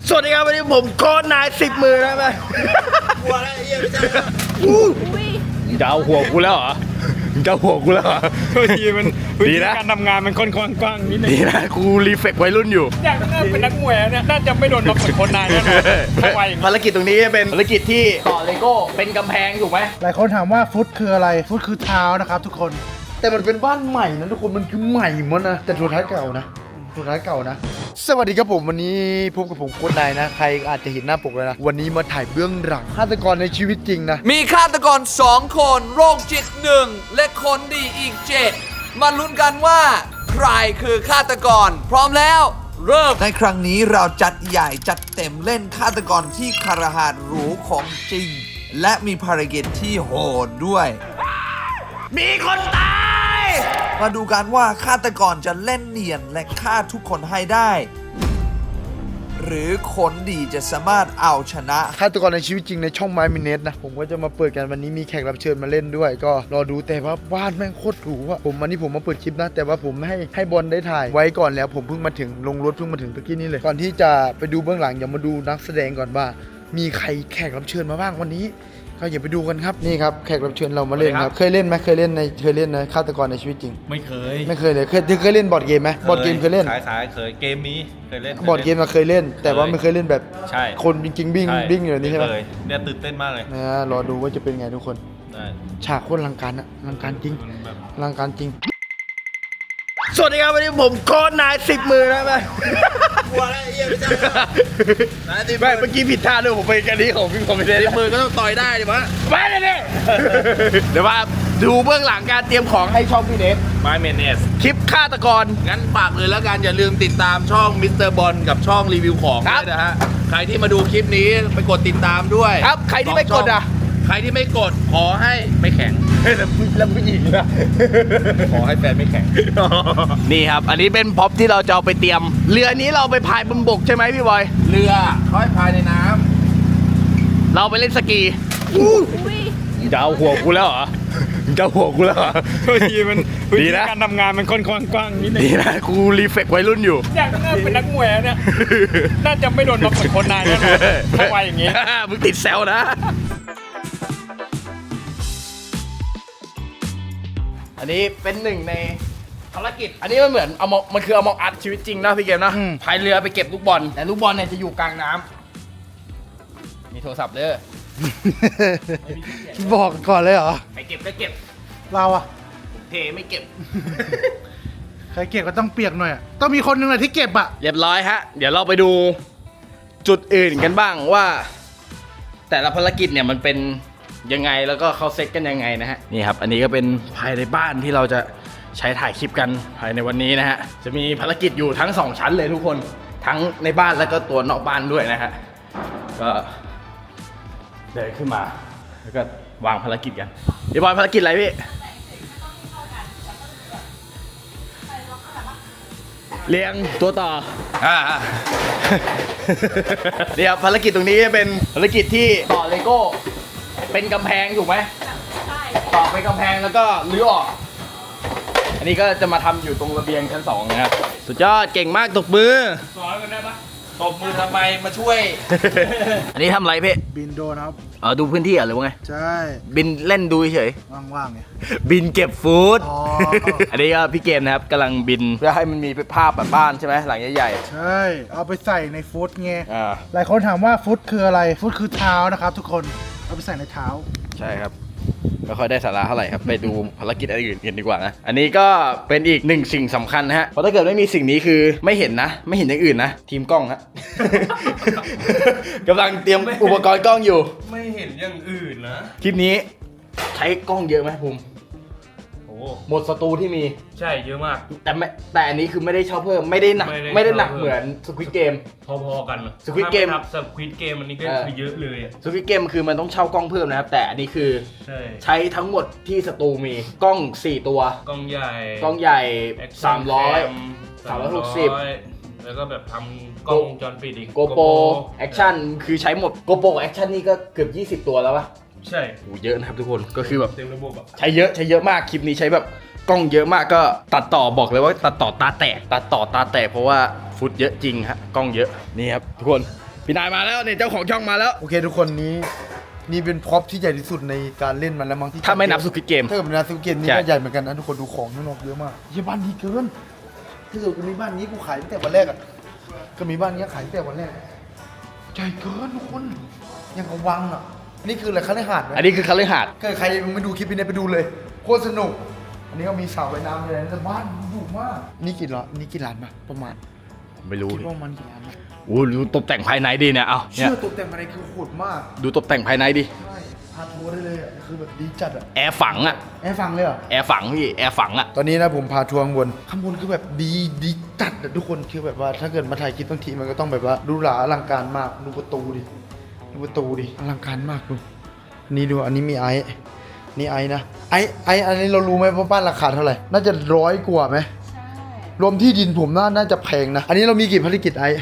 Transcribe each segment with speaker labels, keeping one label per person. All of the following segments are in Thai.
Speaker 1: สวัสดีครับวันนี้ผมโค้ชนาย10 มือนะแม่กลัวแล้วไอ้เหี้ยไม่ใช่จะเอาหัวกูแล้วเหรอจะหัวกูแล้วเหรอดีนะ
Speaker 2: การทำงานมันค่อนข้างกว้างนิดนึง
Speaker 1: ดีนะกูรีเฟกวัยรุ่นอยู่
Speaker 2: อยากเป็นนักมวยเนี่ยน่าจะไม่โดนมาฝึกคนนายแน่นอน
Speaker 1: ภารกิจตรงนี้เป็นภารกิจที่ต่อเลโก้เป็นกำแพงถูกไหม
Speaker 3: หลายคนถามว่าฟุตคืออะไรฟุตคือเท้านะครับทุกคน
Speaker 1: แต่มันเป็นบ้านใหม่นะทุกคนมันคือใหม่หมดนะแต่สุดท้ายเก่านะสุดท้ายเก่านะสวัสดีครับผมวันนี้พบกับผมโค้ชนายนะใครอาจจะเห็นหน้าปกแล้วนะวันนี้มาถ่ายเบื้องหลังฆาตกรในชีวิตจริงนะ
Speaker 4: มีฆาตกร2 คนโรคจิต1และคนดีอีก7มาลุ้นกันว่าใครคือฆาตกรพร้อมแล้วเริ่มในครั้งนี้เราจัดใหญ่จัดเต็มเล่นฆาตกรที่คารหาสน์หรูของจริงและมีภารกิจที่โหดด้วย
Speaker 1: มีคนตาย
Speaker 4: มาดูกันว่าฆาตกรจะเล่นเนียนและฆ่าทุกคนให้ได้ หรือคนดีจะสามารถเอาชนะ
Speaker 1: ฆาตกรในชีวิตจริงในช่องไม้มินเนตนะผมก็จะมาเปิดกันวันนี้มีแขกรับเชิญมาเล่นด้วยก็รอดูแต่ว่าบ้านแม่งโคตรหรูอะผมวันนี้ผมมาเปิดคลิปนะแต่ว่าผมให้บอลได้ถ่ายไว้ก่อนแล้วผมเพิ่งมาถึงลงรถเพิ่งมาถึงตะกี้นี้เลยก่อนที่จะไปดูเบื้องหลังอย่ามาดูนักแสดงก่อนว่ามีใครแขกรับเชิญมาบ้างวันนี้ก็อย่าไปดูกันครับนี่ครับแขกรับเชิญเรามาเล่นครับเคยเล่นไหมเคยเล่นนะฆาตกรในชีวิตจริง
Speaker 2: ไม่เคย
Speaker 1: เลยเคยเล่นบอร์ดเกมไหมบอร์ดเกมเคยเล่น
Speaker 2: ขายเคยเกมนี้เคยเล่น
Speaker 1: บอร์ดเกมมาเคยเล่นแต่ว่าไม่เคยเล่นแบบ
Speaker 2: ใช่
Speaker 1: คนจริงๆบิ้งอยู่นี่ใช่ไหม
Speaker 2: เนี่ยตื่นเต้นมากเลย
Speaker 1: นะรอดูว่าจะเป็นไงทุกคนฉากโคตรลังการอะลังการจริงลังการจริงสวัสดีครับวันนี้ผมโค้ชนาย10 มือนะแม่กลัวแล้วไอ้เหี้ยไม่ใช่ไม่เมื่อกี้ผิดท่าด้วยผมไปกันนี้ของพี่คอมเมดี้10 มือก็ต้องต่อยได้ดิมะไม่เลยเนี่ยเดี๋ยวมาดูเบื้องหลังการเตรียมของให้ช่องพี่เนฟ
Speaker 2: ไมเมเนส
Speaker 1: คลิปฆาตกรงั้นฝากเลยแล้วกันอย่าลืมติดตามช่องมิสเตอร์บอลกับช่องรีวิวของด้วยนะฮะใครที่มาดูคลิปนี้ไปกดติดตามด้วยครับใครที่ไม่กดอ่ะใครที่ไม่กดขอให้ไม่แข็งแล้วผู้หญิงนะ
Speaker 2: ขอให้แฟนไม่แข็ง
Speaker 1: นี่ครับอันนี้เป็นพ็อปที่เราจะเอาไปเตรียมเรือนี้เราไปพายบนบกใช่ไหมพี่บอย
Speaker 2: เรือเขาให้พายในน้
Speaker 1: ำเราไปเล่นสกีจะเอาหัวกูแล้วเหรอจะหัวกูแล้วเหรอ
Speaker 2: ดีนะการทำงานมันค่อนข้างกว้างนิดนึง
Speaker 1: ดีนะกูรีเฟกวัยรุ่นอยู่
Speaker 2: อยากเป็นนักมวยเนี่ยน่าจะไม่โดนมาฝึกคนนายแน่นอนถ้าไวอย่างงี้
Speaker 1: มึงติดแซวนะอันนี้เป็นหนึ่งในภารกิจอันนี้มันเหมือนมันคือเอามองอัดชีวิตจริงนะพี่เกมนะพายเรือไปเก็บลูกบอลแต่ลูกบอลเนี่ยจะอยู่กลางน้ำมีโทรศัพท์เด้อ
Speaker 3: บอกก่อนเลยเหรอ
Speaker 1: ใครเก็บก็เก็บ
Speaker 3: เราอะ
Speaker 1: เทไม่เก็บ
Speaker 3: ใครเก็บก็ต้องเปียกหน่อยต้องมีคนหนึ่งเลยที่เก็บอะ
Speaker 1: เรียบร้อยฮะเดี๋ยวเราไปดูจุดอื่นกันบ้างว่าแต่ละภารกิจเนี่ยมันเป็นยังไงแล้วก็เขาเซ็ตกันยังไงนะฮะนี่ครับอันนี้ก็เป็นภายในบ้านที่เราจะใช้ถ่ายคลิปกันภายในวันนี้นะฮะจะมีภารกิจอยู่ทั้ง2ชั้นเลยทุกคนทั้งในบ้านแล้วก็ตัวนอกบ้านด้วยนะฮะก็เดินขึ้นมาแล้วก็วางภารกิจกันพี่บอยภารกิจอะไรพี่เลี้ยงตัวต่อเดี๋ยวภารกิจตรงนี้เป็นภารกิจที่ต่อเลโก้เป็นกำแพงถูกไหมใช่ต่อเป็นกำแพงแล้วก็รื้อออกอันนี้ก็จะมาทำอยู่ตรงระเบียงชั้น2นะครับสุดยอดเก่งมากตบมือ
Speaker 2: สอนกันได้ปะตบมือทำไมมาช่วย
Speaker 1: อันนี้ทำอะไรพี่
Speaker 3: บินโดนครับ
Speaker 1: ดูพื้นที่หรือว่าไง
Speaker 3: ใช่
Speaker 1: บินเล่นดูเฉย
Speaker 3: ว่างๆไง
Speaker 1: บินเก็บฟู้ดอันนี้ก็พี่เกมนะครับกำลังบินเพื่อให้มันมีภาพแบบบ้านใช่ไหมหลังใหญ่
Speaker 3: ๆใช่เอาไปใส่ในฟุตไงหลายคนถามว่าฟุตคืออะไรฟุตคือเท้านะครับทุกคนเอาไปใส่ในเท้า
Speaker 1: ใช่ครับไม่ค่อยได้สาระเท่าไหร่ครับไปดูภารกิจอื่นกันดีกว่านะอันนี้ก็เป็นอีกหนึ่งสิ่งสำคัญนะฮะเพราะถ้าเกิดไม่มีสิ่งนี้คือไม่เห็นนะไม่เห็นอย่างอื่นนะทีมกล้องฮะ กำลังเตรียมอุปกรณ์กล้องอยู่
Speaker 2: ไม่เห็นอย่างอื่นนะ
Speaker 1: คลิปนี้ใช้กล้องเยอะไหมภูมิหมดสตูที่มี
Speaker 2: ใช่เยอะมาก
Speaker 1: แต่อันนี้คือไม่ได้เช่าเพิ่มไม่ได้หนักเหมือนสควิดเกม
Speaker 2: พอๆกัน
Speaker 1: สควิดเกม
Speaker 2: สควิดเกมอันนี้ก็คือเยอะเลย
Speaker 1: สควิดเกมคือมันต้องเช่ากล้องเพิ่มนะครับแต่อันนี้คือใช้ทั้งหมดที่สตูมีกล้อง4ตัว
Speaker 2: กล้องให
Speaker 1: ญ่360
Speaker 2: แล้วก็แบบทำกล้องวงจรปิดอีก
Speaker 1: โกโปรแอคชั่นคือใช้หมดโกโปรแอคชั่นนี่ก็เกือบ20ตัวแล้วปะ
Speaker 2: ใช่
Speaker 1: โหเยอะนะครับทุกคนก็คือแบบ
Speaker 2: เต็มระบบอะ
Speaker 1: ใช้เยอะมากคลิปนี้ใช้แบบกล้องเยอะมากก็ตัดต่อบอกเลยว่าตัดต่อตาแตกเพราะว่าฟุตเยอะจริงฮะกล้องเยอะนี่ครับทุกคนพี่นายมาแล้วเนี่ยเจ้าของช่องมาแล้ว
Speaker 5: โอเคทุกคนนี่เป็นพ็อปที่ใหญ่ที่สุดในการเล่นมันแล้วมั้งที่
Speaker 1: ถ้าไม่นับสุกิเกม
Speaker 5: ถ้าเกิดไม่นับสุกิเกมนี่
Speaker 1: ใช่
Speaker 5: ก็ใหญ่เหมือนกันนะทุกคนดูของข้างนอกเยอะมากเยี่ยบ้านดีเกินถ้าเกิดกูมีบ้านนี้กูขายตั้งแต่วันแรกอ่ะก็มีบ้านนี้ขายตั้งแต่วันแรกใหญ่เกินทุกคนยังกับวังอ่ะนี่คืออะไรคฤหาสน์ไหม
Speaker 1: อันนี้คือคฤหาสน์
Speaker 5: ถ้าใครยังไม่ดูคลิปนี้ไปดูเลยโคตรสนุกอันนี้ก็มีสระว่ายน้ำเลยนะแต่บ้านดุมากนี่กี่ล้านนี่กี่ล้านปะประมาณ
Speaker 1: ไม่รู้
Speaker 5: คิดว่ามันกี่ล้านปะ
Speaker 1: โอ้ดูตกแต่งภายในดีเนี่ยเอาเนี่ย
Speaker 5: เชื่อตกแต่งอะไรคือโหดมาก
Speaker 1: ดูตกแต่งภายในดิ
Speaker 5: ใช่พาทัวร์ได้เลยอ่ะคือแบบดีจัดอ่ะ
Speaker 1: แอร์ฝังอะ
Speaker 5: แอร์ฟังเลยเหรอ
Speaker 1: แอร์ฝังพี่แอร์ฝังอะ
Speaker 5: ตอนนี้นะผมพาทัวร์ข้างบนคือแบบดีจัดอะทุกคนคือแบบว่าถ้าเกิดมาถ่ายคลิปบางทีมันก็ต้องแบบว่าดูหราอลังการมากดูประตูดิอลังการมากดูนี่ดูอันนี้มีไอซ์นี่ไอซ์นะไอซ์อันนี้เรารู้ไหมว่าบ้านราคาเท่าไหร่น่าจะ100 กว่าไหม
Speaker 6: ใช่
Speaker 5: รวมที่ดินผมน่าจะแพงนะอันนี้เรามีกี่ภารกิจไอซ์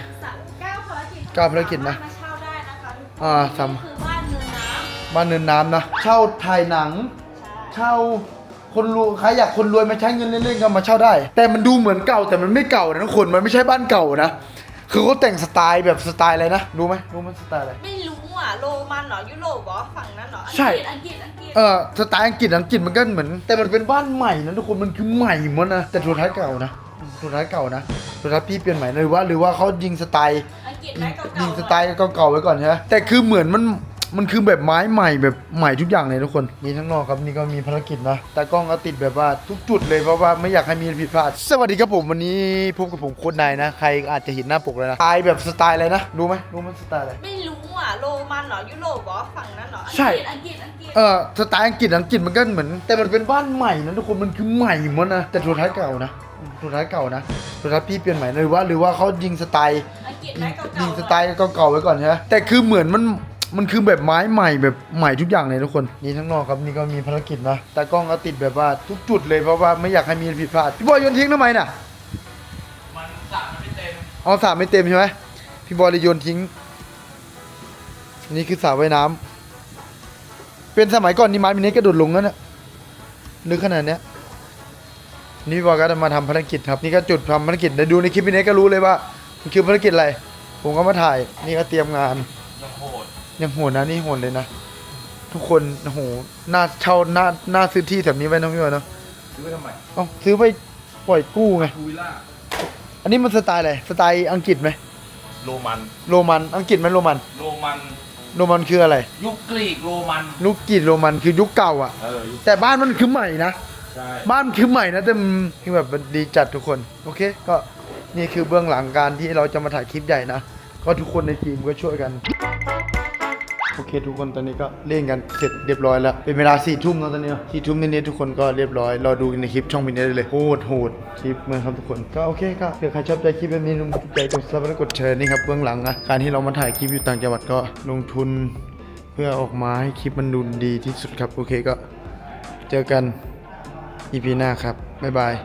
Speaker 6: 9 ภารกิจ
Speaker 5: 9 ภารกิจนะ
Speaker 6: มาเช่าได้นะคะทุกคน
Speaker 5: อ่าทำ
Speaker 6: นี่คือบ้านเนินน้
Speaker 5: บ้านเนินน้ำนะเช่าถ่ายหนัง
Speaker 6: ำใช่
Speaker 5: เช่าคนรวยใครอยากคนรวยมาใช้เงินเล่นๆก็มาเช่าได้ แต่มันดูเหมือนเก่าแต่มันไม่เก่านะทุกคนมันไม่ใช่บ้านเก่านะคือเขาแต่งสไตล์แบบสไตล์อะไรนะรู้ไหมสไตล์อะไร
Speaker 6: ไม่รู้อ่ะโรมันเหรอยุโรปเหรอฝั่งนั้นเหรอ
Speaker 5: ใช่
Speaker 6: อังกฤษ
Speaker 5: สไตล์อังกฤษมันก็เหมือน แต่มันเป็นบ้านใหม่นะทุกคนมันคือใหม่หมดนะแต่สุดท้ายเก่านะสุดท้ายพี่เปลี่ยนใหม่นะหรือว่าเขายิงสไตล์
Speaker 6: อังกฤษไหมเก่าๆ
Speaker 5: ยิงสไตล์เก่าๆไว้ก่อนใช่ไหมแต่คือเหมือนมันคือแบบไม้ใหม่แบบใหม่ทุกอย่างเลยทุกคนนี่ทั้งนอกครับนี่ก็มีภารกิจนะแต่กล้องก็ติดแบบว่าทุกจุดเลยเพราะว่าไม่อยากให้มีผิดพลาดสวัสดีครับผมวันนี้พบกับผมโค้ชนายนะใครอาจจะเห็นหน้าปกเลยนะสไตล์แบบสไตล์อะไรนะรู้ไหมสไตล์อะไร
Speaker 6: ไม่รู้อ่ะโรมันเหรอยุโรปเหรอฝั่งนั้นเหรอ
Speaker 5: ใช่
Speaker 6: อังกฤษ
Speaker 5: สไตล์อังกฤษมันก็เหมือน แต่มันเป็นบ้านใหม่นะทุกคนมันคือใหม่หมดนะแต่สุดท้ายเก่านะสุดท้ายพี่เปลี่ยนใหม่นะหรือว่าเขายิงสไตล์
Speaker 6: อังกฤษไหมเก่าๆ
Speaker 5: ยิงสไตล์เก่าๆไว้ก่อนใช่ไหมแต่คือเหมือนมันคือแบบไม้ใหม่แบบใหม่ทุกอย่างเลยทุกคนนี่ทั้งนอกครับนี่ก็มีภารกิจนะแต่กล้องก็ติดแบบว่าทุกจุดเลยเพราะว่าไม่อยากให้มีผิดพลาดพี่บอยโยนทิ้งทำไมน่ะมันสระไม่เต็มเอาสระไม่เต็มใช่ไหมพี่บอยเลยโยนทิ้งนี่คือสระว่ายน้ำเป็นสมัยก่อนนี่ไม้มินิกระโดดลงนั่นน่ะนึกขนาดเนี้ยนี่พี่บอยก็จะมาทำภารกิจครับนี่ก็จุดทำภารกิจเดี๋ยวดูในคลิปมินิก็รู้เลยว่ามันคือภารกิจอะไรผมก็มาถ่ายนี่ก็เตรียมงานยังโหดนะนี่โหดเลยนะทุกคนโอ้โหน่าเช่าน่าซื้อที่แถบนี้ไว้นะพี่บอยเนาะ
Speaker 1: ซื้อไปทำไม
Speaker 5: เอ้าซื้อไปปล่อยกู้ไง
Speaker 1: ทูวิล่า
Speaker 5: อันนี้มันสไตล์อะไรสไตล์อังกฤษไหม
Speaker 1: โรมัน
Speaker 5: โรมันอังกฤษไหมโรมัน
Speaker 1: โรมัน
Speaker 5: โรมันคืออะไร
Speaker 1: ยุคกรีกโรมัน
Speaker 5: ลูกกรีกโรมันคือยุคเก่าอ่ะ
Speaker 1: ยุค
Speaker 5: แต่บ้านมันคือใหม่นะ
Speaker 1: ใช่
Speaker 5: บ้านมันคือใหม่นะแต่มันคือแบบมันดีจัดทุกคนโอเคก็นี่คือเบื้องหลังการที่เราจะมาถ่ายคลิปใหญ่นะก็ทุกคนในทีมก็ช่วยกันโอเคทุกคนตอนนี้ก็เล่นกันเสร็จเรียบร้อยแล้วเป็นเวลา4 ทุ่มแล้วตอนนี้4 ทุ่มนิดๆทุกคนก็เรียบร้อยรอดูในคลิปช่องวินเนอร์ได้เลยโหดคลิปเหมือนครับทุกคนก็โอเคก็เผื่อใครชอบใจคลิปแบบนี้ลงใจกดซับและกดแชร์นี่ครับเบื้องหลังนะการที่เรามาถ่ายคลิปอยู่ต่างจังหวัดก็ลงทุนเพื่อออกมาให้คลิปมันดูดีที่สุดครับโอเคก็เจอกัน EP หน้าครับบ๊ายบาย